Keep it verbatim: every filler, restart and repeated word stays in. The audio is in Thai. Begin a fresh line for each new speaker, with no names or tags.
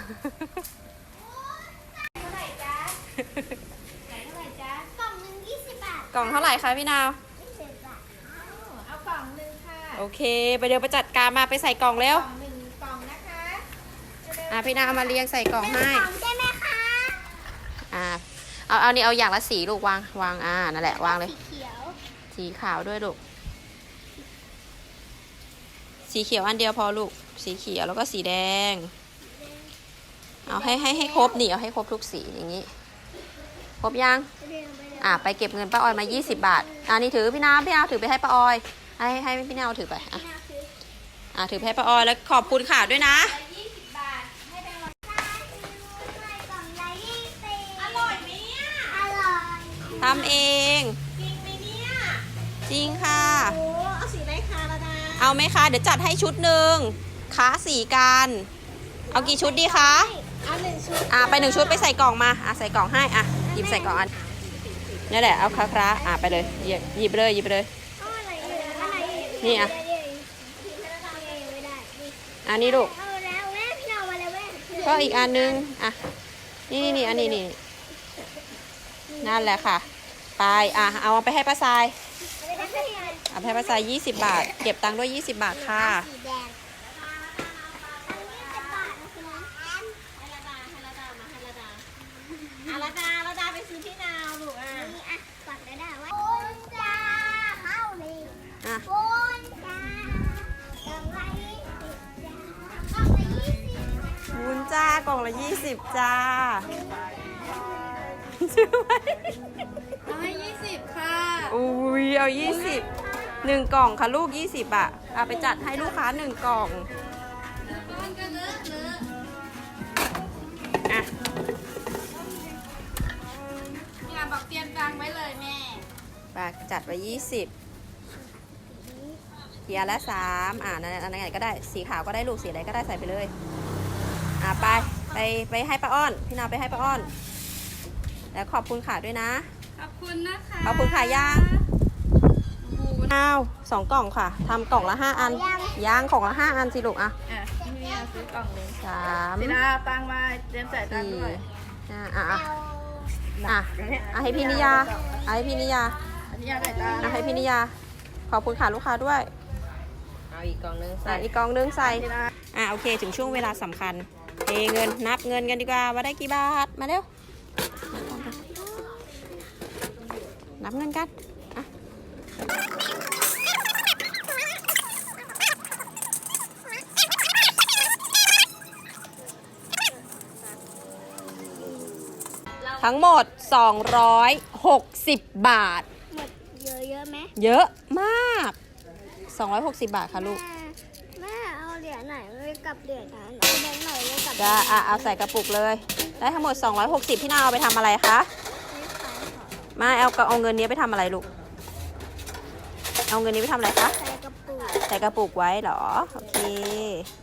เท่าไหร่จ๊ะขายเท่าไหร่จ๊ะกล่องหนึ่งยี่สิบบาท
กล่องเท่าไหร่คะพี่นาว
ยี่สิบบาทเอากล่องหนึ่งค่ะ
โอเคไปเดี๋ยวไปจัดการมาไปใส่กล่องเร็ว
กล่องหนึ่งกล่องนะคะ
อ่ะพี่นาวมาเรียงใส่กล่องให้
กล่องใช่ไหมคะ
อ่าเอาเอานี่เอาอย่างละสีลูกวางวางอ่านั่นแหละวางเลย
สีเขียว
สีขาวด้วยลูกสีเขียวอันเดียวพอลูกสีเขียวแล้วก็สีแดงเอาให้ให้ให้ครบนี่เอาให้ครบทุกสีอย่างนี้ครบยังอ่าไปเก็บเงินป้าออยมายี่สิบบาทอ่านี่ถือพี่น้ำพี่น้ำถือไปให้ป้าออยให้ให้พี่น้ำถือไปอ่ะอ่าถือไปให้ป้าออยแล้วขอบคุณค่ะด้วยนะ
ยี่สิบบาทให้แบงค์ร้อยกล่องละยี่สิบอร่อยไหมเนี่ยอร่อย
ทำเอง
จริงไหมเนี่ย
จริงค่ะ
โอ้เอาสีไหนคะละนะ
เอาไหมคะเดี๋ยวจัดให้ชุดหนึ่งค้าสีกันเอากี่ชุดดีคะ
เอาหนึ่งชุด
อ่ะไปหนึ่งชุดไปใส่กล่องมาอ่ะใส่กล่องให้อ่ะหยิบใส่กล่องอันนี่แหละเอาคาคราอ่ะไปเลยหยิบหยิบเลยหยิบเลยนี่อ่ะอันนี้ลูกก็อีกอันนึงอ่ะนี่นี่นี่อันนี้นี่นั่นแหละค่ะไปอ่ะเอาไปให้ป้าทรายเอาไปให้ป้าทรายยี่สิบบาทเก็บตังค์ด้วยยี่สิบบาทค่ะ
อาราดาอาราดาไปซื้อพี่นาวลูกอ่ะนี่อ่ะกดได้ได้ว่าโอนจ้าเข้าเลย
อ่ะ
โอนจ้ากล่องละยี่สิบจ้ากล่องละยี่สิบ
วุ้นจ้ากล่องละยี่สิบจ้าชื่อไหม
เอาให้ยี่สิบค่ะ
อุ้ยเอายี่สิบหนึ่งกล่องค่ะลูกยี่สิบอ่ะเอาไปจัดให้ลูกค้าหนึ่งกล่องอ่ะ
บอกเตรียมตังไว้เลยแม่
ปากจัดไว้ยี่สิบเทียร์ละสามอ่านั่นนั่นไงก็ได้สีขาวก็ได้ลูกสีอะไรก็ได้ใส่ไปเลยอ่าไปไปไปให้ป้าอ้อนพี่นาไปให้ป้าอ้อนแล้วขอบคุณค่ะด้วยนะ
ขอบคุณนะคะ
ขอบคุณค่ะย่างอ้าวสองกล่องค่ะทำกล่องละห้าอันย่างกล่องละห้าอันสิลูกอ่ะ
อ่ะนี่ซื้อกล่องเลย
สาม
พี่นาตังมาเตรียมใส่ตังด้วย
อ่าอ่ะอ่ะอ่ะให้พี่นิยาให้พี่นิยา
นิยาใส่ตา
ให้พี่นิยาขอบคุณค่ะลูกค้าด้วย
เอาอีกกล่องนึงใส่
อีกกล่องนึงใส่อ่ะโอเคถึงช่วงเวลาสำคัญเทเงินนับเงินกันดีกว่าว่าได้กี่บาทมาเร็วนับเงินกันอ่ะทั้งหมดสองร้อยหกสิบบาท
หมดเยอะเยอะไหม
เยอะมากสองร้อยหกสิบบาทค่ะลูก
แม่เอาเหรียญไหนเลยกับเหรียญนั้นเอาแบงค์หน่อยเลยกับ
จะอ่ะเอาใส่กระปุกเลยได้ทั้งหมดสองร้อยหกสิบพี่นาเอาไปทำอะไรคะไม่เอาเอาเงินนี้ไปทำอะไรลูกเอาเงินนี้ไปทำอะไรคะ
ใส่กระปุก
ใส่กระปุกไว้เหรอโอเค